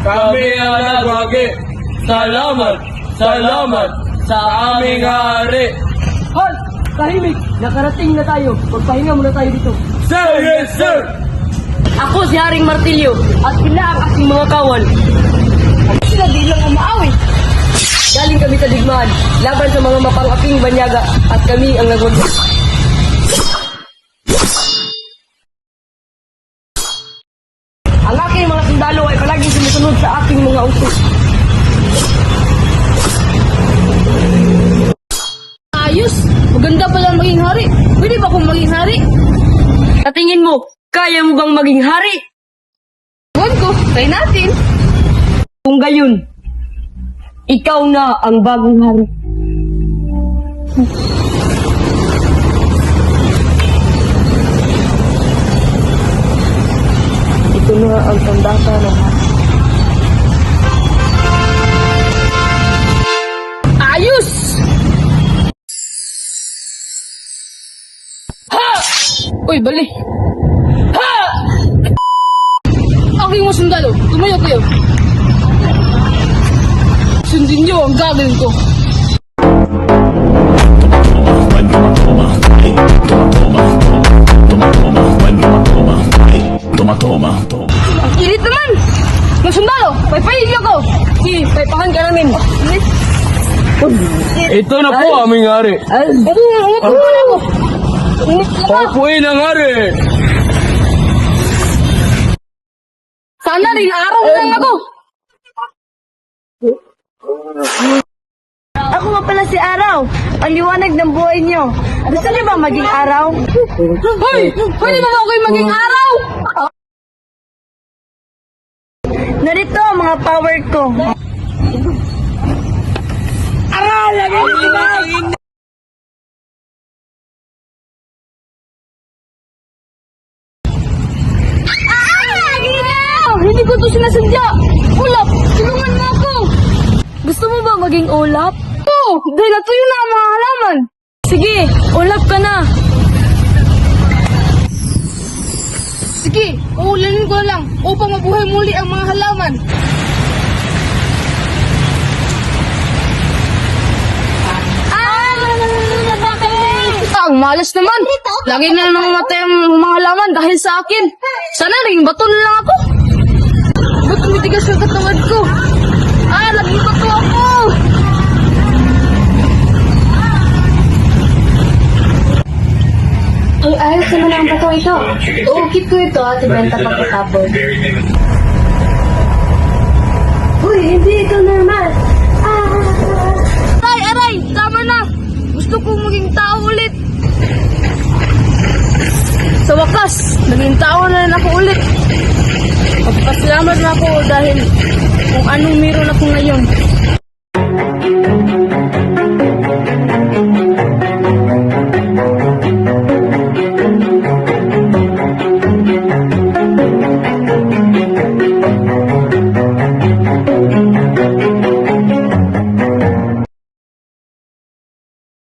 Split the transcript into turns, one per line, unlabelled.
kami ang nagwagi. Salamat, salamat sa aming hari.
Hal! Tahimik! Nakarating na tayo. Magpahinga muna tayo dito.
Sir, yes sir!
Ako si Haring Martilyo at sila ang aking mga kawal. Sila di lang ang maawi. Galing kami sa digmaan, laban sa mga mapang-aking banyaga at kami ang nagwagi. Ang aking mga sundalo ay palaging sumusunod sa aking mga utos.
Ayos! Maganda pala maging hari. Pwede ba akong maging hari?
Sa tingin mo, kaya mo bang maging hari?
Buwan ko, try natin.
Kung gayon, ikaw na ang bagong hari. Ito na ang sandata ng hari.
Ayos! Ha! Uy, bali. Ha! Aking mga sundalo, tumayo kayo. Sundin niyo ang gagawin ko. Ang init naman! Mga sundalo, paypayin niyo ko!
Sige, paipahan ka namin.
Ito na po aming hari.
Init naman ako! Init naman!
Papuin ang hari.
Sana rin araw na lang ako!
Ako nga pala si Araw, ang liwanag ng buhay niyo. Gusto niyo ba maging araw?
Hoy! Pwede ba ako maging araw?
Narito ang mga power ko.
Hindi ko to sinasadya! Ulap! Tulungan mo ako! Gusto mo ba maging ulap? Oo! Dahil natuyo na ang mga halaman! Sige! Ulap ka na! Sige! Uulanin ko na lang upang mabuhay muli ang mga halaman! Ang malas naman! Lagi na lang namamatay ang mga halaman dahil sa akin! Sana rin bato na lang ako! Ba't tumitigas yung katawan ko? Laging bato ako!
Ang ayos naman ang bato ito. Uukit ko ito at ibenta pagkatapos. Uy, hindi ito normal.
Aray! Tama na! Gusto kong maging tao ulit! Sa wakas, naging tao na rin ako ulit. Magpasalamat na ako dahil kung anong meron ako ngayon.